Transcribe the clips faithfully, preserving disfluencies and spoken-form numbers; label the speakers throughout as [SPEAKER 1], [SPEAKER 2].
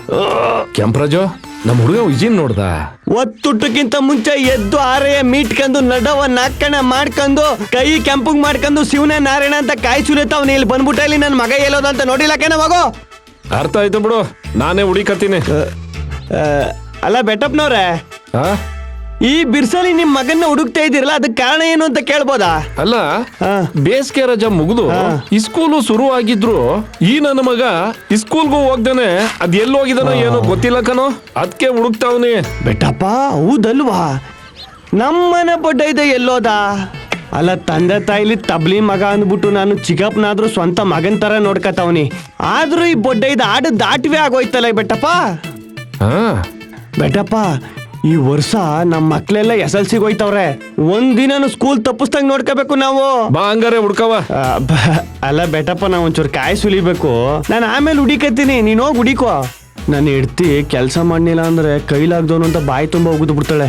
[SPEAKER 1] ಕೆಂಪರಾಜು ನಮ್ಮ ಹುಡುಗ ವಿಜಿನ್ ನೋಡ್ದ
[SPEAKER 2] ಒತ್ತುಟ್ಟಕ್ಕಿಂತ ಮುಂಚೆ ಎದ್ದು ಆರೆಯ ಮೀಟ್ಕೊಂಡು ನಡವ ನಾಕಣ ಮಾಡ್ಕೊಂಡು ಕೈ ಕೆಂಪಗ್ ಮಾಡ್ಕೊಂಡು ಶಿವನ ನಾರಾಯಣ ಅಂತ ಕಾಯಿ ಸುಲಿತಾವ್ ಇಲ್ಲಿ ಬಂದ್ಬಿಟ್ಟ ಇಲ್ಲಿ ನನ್ನ ಮಗ ಎಲ್ಲೋದು ಅಂತ ನೋಡಿಲ್ಲ ಕಣ ಮಗು.
[SPEAKER 1] ಅರ್ಥ ಆಯ್ತು ಬಿಡು, ನಾನೇ ಹುಡಿಕತ್ತೀನಿ.
[SPEAKER 2] ಅಲ್ಲ ಬೆಟ್ಟಪ್ಪನವ್ರೆ, ಈ ಬಿರ್ಸಲಿ ನಿಮ್ ಮಗನ್ನ ಹುಡುಕ್ತಾ ಇದ್ದೀರಲ್ಲ ಅದಕ್ಕೆ ಕಾರಣ ಏನು ಅಂತ ಕೇಳ್ಬೋದಾ?
[SPEAKER 1] ಅಲ್ಲ, ಬೇಸಿಗೆ ರಜಾ ಮುಗಿದು ಇಸ್ಕೂಲು ಶುರು ಆಗಿದ್ರು ಈ ನನ್ನ ಮಗ ಇಸ್ಕೂಲ್ಗೂ ಹೋಗ್ದೇನೆ ಅದ್ ಎಲ್ಲಿ ಹೋಗಿದಾನೋ ಏನೋ ಗೊತ್ತಿಲ್ಲ ಕಣೋ, ಅದಕ್ಕೆ ಹುಡುಕ್ತಾವ್ನಿ.
[SPEAKER 2] ಬೆಟ್ಟಪ್ಪ ಹೌದಲ್ವಾ, ನಮ್ಮನೆ ಬಡ್ಡ ಇದೆ ಎಲ್ಲೋದ? ಅಲ್ಲ, ತಂದೆ ತಾಯಿಲಿ ತಬ್ಲಿ ಮಗ ಅಂದ್ಬಿಟ್ಟು ನಾನು ಚಿಕ್ಕಪ್ಪನಾದ್ರೂ ಸ್ವಂತ ಮಗನ್ ತರ ನೋಡ್ಕತಾವ್ನಿ. ಆದ್ರೂ ಈ ಬೊಡ್ಡ ಇದು ಆಡ ದಾಟಿವೆ ಆಗೋಯ್ತಲ್ಲ ಬೆಟ್ಟಪ್ಪ. ಬೆಟ್ಟಪ್ಪ, ಈ ವರ್ಷ ನಮ್ಮ ಮಕ್ಳೆಲ್ಲ ಎಸ್ ಎಲ್ ಸಿಗೆ ಹೋಯ್ತವ್ರೆ. ಒಂದಿನ ಸ್ಕೂಲ್ ತಪ್ಪಿಸ್ದಂಗ್ ನೋಡ್ಕೋಬೇಕು ನಾವು.
[SPEAKER 1] ಬಾ ಹಂಗಾರೆ ಹುಡ್ಕವ.
[SPEAKER 2] ಅಲ್ಲ ಬೆಟ್ಟಪ್ಪ, ನಾವ್ ಒಂಚೂರು ಕಾಯಿ ಸುಲಿಬೇಕು. ನಾನು ಆಮೇಲೆ ಹುಡಿಕತ್ತೀನಿ, ನೀನ್ ಹೋಗಿ ಹುಡಿಕೋ. ನಾನು ಇಡ್ತಿ ಕೆಲಸ ಮಾಡ್ಲಿಲ್ಲ ಅಂದ್ರೆ ಕೈಲಾಗ್ದವನು ಅಂತ ಬಾಯಿ ತುಂಬಾ ಹೋಗುದು ಬಿಡ್ತಾಳೆ.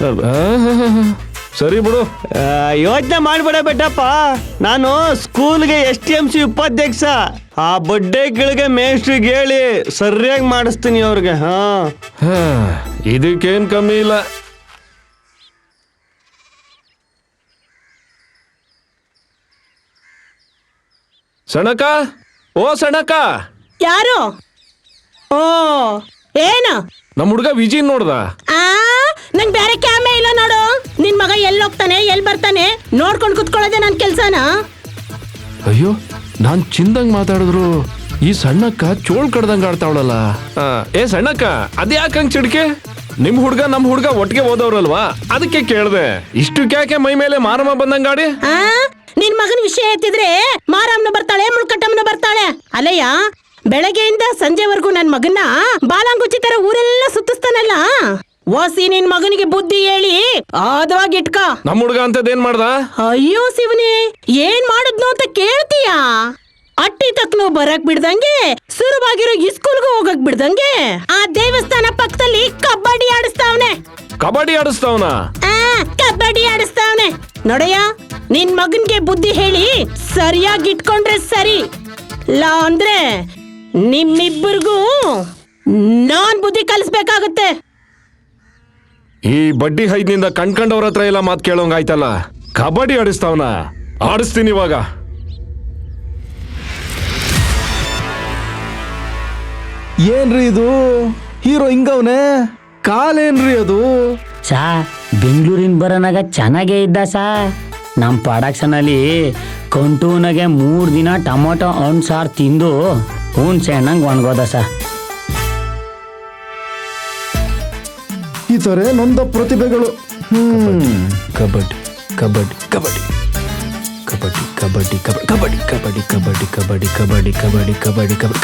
[SPEAKER 1] ಸರಿ ಬಿಡು,
[SPEAKER 2] ಯೋಚನೆ ಮಾಡ್ಬೇಡ ಬೆಟ್ಟಪ್ಪ. ನಾನು ಸ್ಕೂಲ್ಗೆ ಎಸ್ ಟಿ ಎಂ ಸಿ ಉಪಾಧ್ಯಕ್ಷ. ಆ ಬಡ್ಡೆಗಳಿಗೆ ಮೇಸ್ಟ್ರಿಗೆ ಹೇಳಿ ಸರಿಯಾಗಿ ಮಾಡಿಸ್ತೀನಿ ಅವ್ರಿಗೆ. ಹಾ,
[SPEAKER 1] ಇದಕ್ಕೇನ್ ಕಮ್ಮಿ ಇಲ್ಲ. ಸಣಕ, ಓ ಸಣಕ.
[SPEAKER 3] ಯಾರು? ಓ, ಏನ?
[SPEAKER 1] ನಮ್ಮ ಹುಡುಗ ವಿಜಿನ್ ನೋಡ್ದ.
[SPEAKER 3] ಆ ನಂಗ್ ಬೇರೆ ಕ್ಯಾಮೆ ಇಲ್ಲ ನೋಡು. ನಿನ್ ಮಗ ಎಲ್ಲಿ ಹೋಗ್ತಾನೆ ಎಲ್ಲಿ ಬರ್ತಾನೆ ನೋಡ್ಕೊಂಡು ಕುತ್ಕೊಳ್ಳೋದೆ ನನ್ ಕೆಲ್ಸನ.
[SPEAKER 1] ಅಯ್ಯೋ, ನಾನ್ ಚಿಂದಂಗ್ ಮಾತಾಡಿದ್ರು ಈ ಸಣ್ಣಕ್ಕ ಚೋಳ್ ಕಡ್ದಂಗ ಆಡ್ತಾವಳಲ್ಲ. ಏ ಸಣ್ಣಕ್ಕ, ಅದ್ಯಾಕಂಗ್ ಚಿಡ್ಕೆ? ನಿಮ್ ಹುಡ್ಗ ನಮ್ ಹುಡ್ಗ ಒಟ್ಟಿಗೆ ಓದವ್ರಲ್ವಾ, ಅದಕ್ಕೆ ಕೇಳ್ದೆ. ಇಷ್ಟು ಕ್ಯಾಕೆ ಮೈ ಮೇಲೆ ಮಾರಮ್ಮ ಬಂದಂಗಾಡಿ?
[SPEAKER 3] ಆ ನಿನ್ ಮಗನ ವಿಷಯ ಎತ್ತಿದ್ರೆ ಮಾರಮ್ಮನ ಬರ್ತಾಳೆ, ಮುಳ್ಕಟ್ಟಮ್ಮನ ಬರ್ತಾಳೆ. ಅಲ್ಲಯ್ಯ, ಬೆಳಗ್ಗೆಯಿಂದ ಸಂಜೆವರೆಗೂ ನನ್ ಮಗನ್ನ ಬಾಲಾಂಗುಚ್ಚಿ ತರ ಊರೆಲ್ಲ ಸುತ್ತಿಸ್ತಾನಲ್ಲ. ಓಸಿ ನಿನ್ ಮಗನಿಗೆ ಬುದ್ಧಿ ಹೇಳಿ ಆದವಾಗಿ ಇಟ್ಕ.
[SPEAKER 1] ನಮ್ ಹುಡ್ಗ ಅಂತದೇನ್ ಮಾಡ್ದ?
[SPEAKER 3] ಅಯ್ಯೋ ಶಿವನೇ, ಏನ್ ಮಾಡುದ್ನು ಅಂತ ಕೇಳ್ತೀಯಾ? ಅಟ್ಟಿ ತಕ್ನು ಬರಕ್ ಬಿಡ್ದಂಗೆ, ಸುರುವಾಗಿರೋ ಇಸ್ಕೂಲ್ಗೂ ಹೋಗಕ್ ಬಿಡ್ದಂಗೆ ಆ ದೇವಸ್ಥಾನ ಪಕ್ಕದಲ್ಲಿ ಕಬಡ್ಡಿ ಆಡಿಸ್ತಾವ್ನೆ.
[SPEAKER 1] ಕಬಡ್ಡಿ ಆಡಿಸ್ತಾವ್ನ?
[SPEAKER 3] ಆ ಕಬಡ್ಡಿ ಆಡಿಸ್ತಾವ್ನೆ. ನೋಡಯ್ಯ, ನಿನ್ ಮಗನ್ಗೆ ಬುದ್ಧಿ ಹೇಳಿ ಸರಿಯಾಗಿ ಇಟ್ಕೊಂಡ್ರೆ ಸರಿ. ಲಾ ಅಂದ್ರೆ ನಿಮ್ಮಿಬ್ಬರಿಗೂ ನಾನ್ ಬುದ್ಧಿ ಕಲಿಸ್ಬೇಕಾಗತ್ತೆ.
[SPEAKER 1] ಈ ಬಡ್ಡಿ ಹೈದ್ನಿಂದ ಕಣ್ಕಂಡವ್ರ ಹತ್ರ ಎಲ್ಲ ಮಾತ್ ಕೇಳೋಂಗ ಆಯ್ತಲ್ಲ. ಕಬಡ್ಡಿ ಆಡಿಸ್ತಾವ್ನ? ಆಡಿಸ್ತೀನಿ ಇವಾಗ.
[SPEAKER 4] ಏನ್ರಿ ಇದು, ಹೀರೋ ಹಿಂಗವ್ನೆ? ಕಾಲೇನ್ರಿ ಅದು?
[SPEAKER 5] ಸಾ ಬೆಂಗಳೂರಿನ ಬರೋನಾಗ ಚೆನ್ನಾಗೇ ಇದ್ದ ಸಾ. ನಮ್ಮ ಪ್ರೊಡಕ್ಷನ್ ಅಲ್ಲಿ ಕಂಟೂನಾಗೆ ಮೂರು ದಿನ ಟೊಮೊಟೊ ಹಣ್ಣು ಸಾರು ತಿಂದು ಹುಣ್ಸೆ ಹಣ್ಣಂಗೆ ಒಣಗೋದ ಸಾ.
[SPEAKER 4] ಈ ತರ ನೊಂದ ಪ್ರತಿಭೆಗಳು. ಹ್ಮ್
[SPEAKER 1] ಕಬಡ್ಡಿ ಕಬಡ್ಡಿ ಕಬಡ್ಡಿ ಕಬಡ್ಡಿ ಕಬಡ್ಡಿ ಕಬಡ್ಡಿ ಕಬಡ್ಡಿ ಕಬಡ್ಡಿ ಕಬಡ್ಡಿ ಕಬಡ್ಡಿ ಕಬಡ್ಡಿ ಕಬಡ್ಡಿ ಕಬಡ್ಡಿ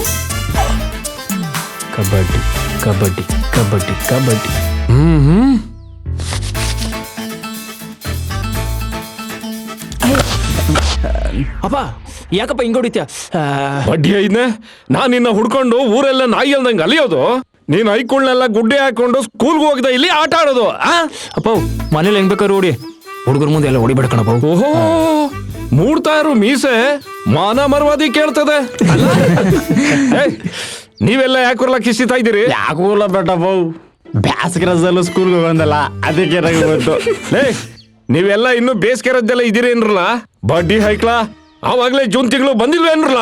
[SPEAKER 1] ಕಬಡ್ಡಿ ಕಬಡ್ಡಿ ಕಬಡ್ಡಿ ಕಬಡ್ಡಿ. ಹ್ಮ್ ಹ್ಮ್
[SPEAKER 2] ಅಪ್ಪ, ಯಾಕಪ್ಪ ಹಿಂಗ್ ಹೊಡಿತ್ಯ?
[SPEAKER 1] ಬಡ್ಡಿ ಐದ್ನೆ, ನಾನ್ ನಿನ್ನ ಹುಡ್ಕೊಂಡು ಊರೆಲ್ಲ ನಾಯಿ ಅಲ್ದಂಗ ಅಲಿಯೋದು. ನೀನ್ ಐಕುಳ್ನೆಲ್ಲ ಗುಡ್ಡೆ ಹಾಕೊಂಡು ಸ್ಕೂಲ್ಗೆ ಹೋಗ್ದ ಇಲ್ಲಿ ಆಟ ಆಡೋದು.
[SPEAKER 2] ಅಪ್ಪ, ಮನೇಲಿ ಹೆಂಗ್ ಬೇಕಾದ್ರು ಹೊಡಿ, ಹುಡುಗರ ಮುಂದೆ ಎಲ್ಲ ಹೊಡಿಬೇಡ ಕಣಪ್ಪ.
[SPEAKER 1] ಓಹೋ, ಮೂಡ್ತಾ ಇರು ಮೀಸೆ ಮಾನ ಮರ್ವಾದಿ ಕೇಳ್ತದೆ. ನೀವೆಲ್ಲ ಯಾಕೂರ್ಲ ಕಿಸಿತಾ ಇದ್ದೀರಿ?
[SPEAKER 2] ಯಾಕೂಲ್ಲ ಬೆಟ್ಟಪ್ಪ, ಬ್ಯಾಸಗಿ ರಜದಲ್ಲೂ ಸ್ಕೂಲ್ಗೆ ಹೋಗಂದಲ್ಲ, ಅದಕ್ಕೆ ಬಂತು.
[SPEAKER 1] ಲೇ, ನೀವೆಲ್ಲ ಇನ್ನು ಬೇಸಿಗೆ ರಜದಲ್ಲ ಇದೀರಿ ಏನ್ರಲ್ಲ? ಬಡ್ಡಿ ಹೈಕ್ಲಾ ಅವಾಗ್ಲೇ ಜೂನ್ ತಿಂಗಳು ಬಂದಿಲ್ವ ಏನ್ರಲ್ಲ?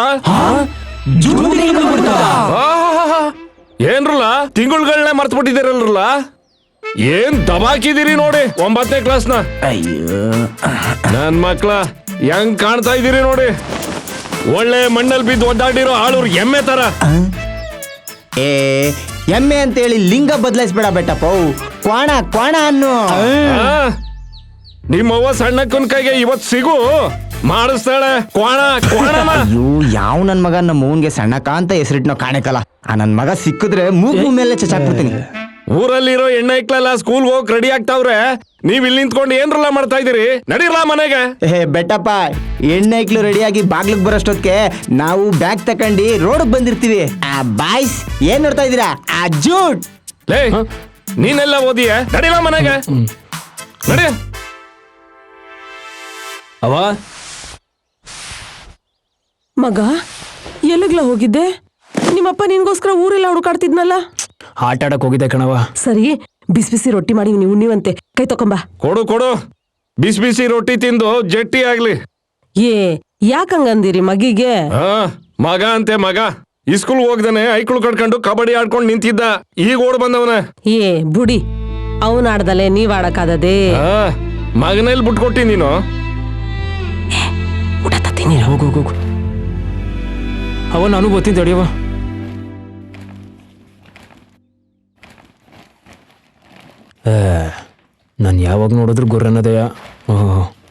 [SPEAKER 1] ಏನ್ರಲ್ಲ ತಿಂಗಳುಗಳನ್ನೇ ಮರ್ತು ಬಿಟ್ಟಿದ್ದೀರಲ್ರಲ್ಲ? ಏನ್ ದಬಾಕಿದ್ದೀರಿ ನೋಡಿ ಒಂಬತ್ತನೇ ಕ್ಲಾಸ್ನ. ನನ್ ಮಕ್ಳ ಹೆಂಗ್ ಕಾಣ್ತಾ ಇದ್ದೀರಿ ನೋಡಿ, ಒಳ್ಳೆ ಮಣ್ಣಲ್ಲಿ ಬಿದ್ದು ಒದ್ದಾಡಿರೋ ಆಳೂರ್ ಎಮ್ಮೆ ತರ.
[SPEAKER 6] ಏ ಎಮ್ಮೆ ಅಂತೇಳಿ ಲಿಂಗ ಬದಲಾಯಿಸ್ಬೇಡ ಬೆಟ್ಟಪ್ಪ, ಕ್ವಾಣ ಕ್ವಾಣ ಅನ್ನು.
[SPEAKER 1] ನಿಮ್ಮವ್ವ ಸಣ್ಣಕ್ಕನ ಕೈಗೆ ಇವತ್ ಸಿಗು ಮಾಡಿಸ್ತಾಳೆ ಕ್ವಾಣ ಕ್ವಾಣ.
[SPEAKER 6] ಅಯ್ಯೋ, ಯಾವ ನನ್ ಮಗ ನಮ್ಮ ಮೂನ್ಗೆ ಸಣ್ಣಕ್ಕ ಅಂತ ಹೆಸರಿಟ್ನೋ ಕಾಣಕಲ್ಲ. ಆ ನನ್ ಮಗ ಸಿಕ್ಕಿದ್ರೆ ಮೂಗು ಮೇಲೆ ಚಚಾಕ್ಬಿಡ್ತೀನಿ.
[SPEAKER 1] ಊರಲ್ಲಿರೋ ಎಣ್ಣೆ ಇಕ್ಲಲ್ಲ ಸ್ಕೂಲ್ ಹೋಗ್ ರೆಡಿ ಆಗ್ತಾವ್ರೆ, ನೀವ್ ಇಲ್ಲಿ ನಿಂತ್ಕೊಂಡು ಏನ್ರಲ್ಲ ಮಾಡ್ತಾ ಇದೀರಿ? ನಡೀರ್ಲಾ ಮನೆಗೆ.
[SPEAKER 6] ಏ ಬೆಟ್ಟಪ್ಪ, ಎಣ್ಣೆ ಇಕ್ಲು ರೆಡಿಯಾಗಿ ಬಾಗ್ಲಿಗೆ ಬರೋಷ್ಟೊತ್ತಿಗೆ ನಾವು ಬ್ಯಾಗ್ ತಕೊಂಡಿ ರೋಡ್ ಬಂದಿರ್ತೀವಿ. ಆ ಬಾಯ್ಸ್ ಏನ್ ನೋಡ್ತಾ ಇದೀರಾ? ಆ ಜೂಟ್
[SPEAKER 1] ಲೇ, ನೀನೆಲ್ಲ ಓದಿಯೇ? ನಡೀಲಾ ಮನೆಗೆ, ನಡಿ.
[SPEAKER 7] ಅವ ಮಗ ಎಲ್ಲಿಗ್ಲ ಹೋಗಿದ್ದೆ? ನಿಮ್ಮಪ್ಪ ನಿನ್ಗೋಸ್ಕರ ಊರೆಲ್ಲ ಹುಡುಕಾಡ್ತಿದ್ನಲ್ಲ.
[SPEAKER 1] ಆಟ ಆಡಕ್ ಹೋಗಿದ್ದೆ ಕಣವ.
[SPEAKER 7] ಸರಿ, ಬಿಸಿ ಬಿಸಿ ರೊಟ್ಟಿ ಮಾಡಿ ನೀವು ಉಣ್ಣಿವಂತೆ. ಕೈ ತಕೊಂಬಾ.
[SPEAKER 1] ಕೊಡು ಕೊಡು, ಬಿಸಿ ಬಿಸಿ ರೊಟ್ಟಿ ತಿಂದು ಜಟ್ಟಿ ಆಗ್ಲಿ.
[SPEAKER 7] ಏ ಯಾಕಂಗಂದಿರಿ ಮಗಿಗೆ?
[SPEAKER 1] ಆ ಮಗ ಅಂತೆ ಮಗ, ಇಸ್ಕೂಲ್ ಹೋಗ್ದಾನೆ ಐಕ್ಳು ಕಟ್ಕೊಂಡು ಕಬಡ್ಡಿ ಆಡ್ಕೊಂಡು ನಿಂತಿದ್ದ, ಈಗ ಓಡ್ ಬಂದವನ.
[SPEAKER 7] ಏ ಬುಡಿ, ಅವನ್ ಆಡ್ದಲೆ ನೀವ್ ಆಡಕ್ಕಾದದೆ?
[SPEAKER 1] ಮಗನಲ್ಲಿ ಬಿಟ್ಕೊಟ್ಟಿ ನೀನು.
[SPEAKER 7] ಊಟ ತತ್ತೀನಿ.
[SPEAKER 1] ಹೋಗು ಹೋಗು. ಅವ ನಾನು ಗೊತ್ತೀನಿ ತಡಿಯವ. ನಾನು ಯಾವಾಗ ನೋಡಿದ್ರು ಗುರ್ರನ್ನದೆಯ. ಓಹ್